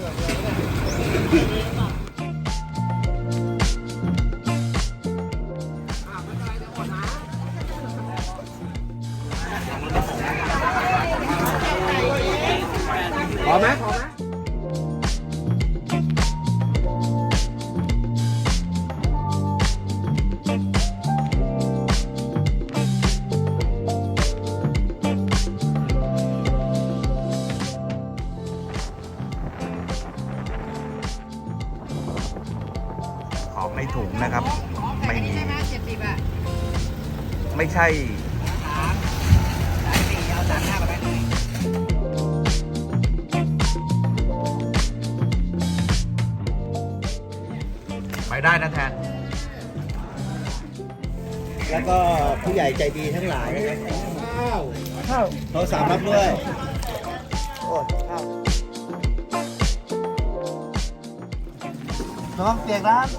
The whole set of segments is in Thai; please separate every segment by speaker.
Speaker 1: พอไหม
Speaker 2: ของในถุงนะครับไม่มีไม่ใช่ไปได้นะแทน
Speaker 3: แล้วก็ผู้ใหญ่ใจดีทั้งหลายนะครับเขาสามรับด้วยโอ้ข้าวน้องเปียกน้ำ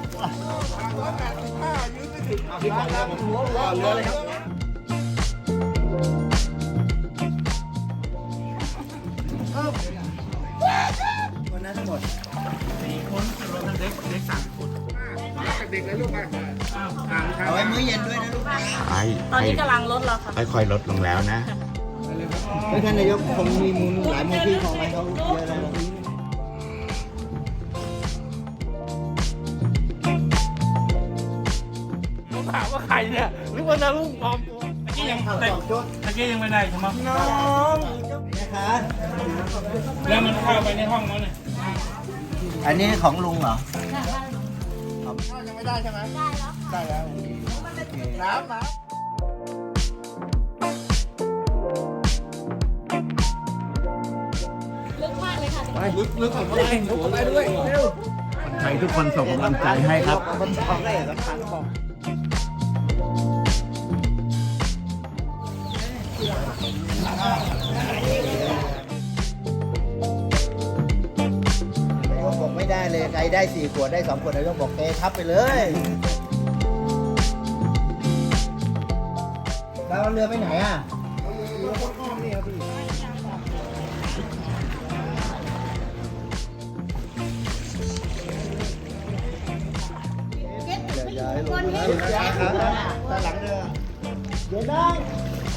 Speaker 3: คนนั้นทั้งหมด4 คนรวมทั้งเด็ก3 คนเด็กเลยลูกไปเอาไว้มื้อเย็นด้วยนะลูกนะ
Speaker 4: ตอนนี้กำลังลดแล้วค่ะ
Speaker 2: ค่อยๆลดลงแล้วนะ
Speaker 3: ท่านนายกคงมีมูลหลายมูลที่ของอะไรเขาเยอะแล้ว
Speaker 1: ถามว่าใครเนี่ยหรือว่านารุ่งปลอมตัว
Speaker 3: ตะกี้ยัง
Speaker 1: ไม่ได้ใช่ไหม
Speaker 3: น้องนะคะ
Speaker 1: แล้วมันเข้าไปในห้องนั้นเนี่ย
Speaker 3: อันนี้ของลุงเหรอ
Speaker 1: ยังไม่ได้ใช่ไหมได้แล้วน้ำ
Speaker 4: ลึกมากเลยค่ะ
Speaker 1: ไปลึกเข้าไปด้วยเร็ว
Speaker 2: คนไทยทุกคนส่งกำลังใจให้ครับ
Speaker 3: มันของได้สำคัญของนายกบอกไม่ได้เลยใครได้4 ขวดได้2 ขวดนายกบอกเททับไปเลยแล้วเรือไปไหนอ่ะเรือพ้นอ้อมนี่ครับพี่ย้ายลงนะย้ายครับด้านหลังเรือเดี๋ยวน้อง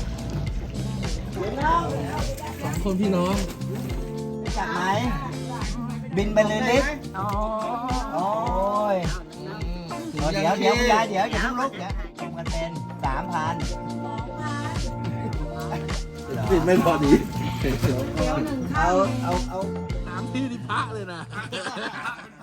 Speaker 1: 2 คนพี่น้อง
Speaker 3: จากไหนบินไปเลยลิฟโอ้ยเดี๋ยวอย่าเพิ่งลุกเนี่ยรวมกันเป็น3,000บินไม่พอดีเอา
Speaker 1: 3 ที่นี่พระเลยนะ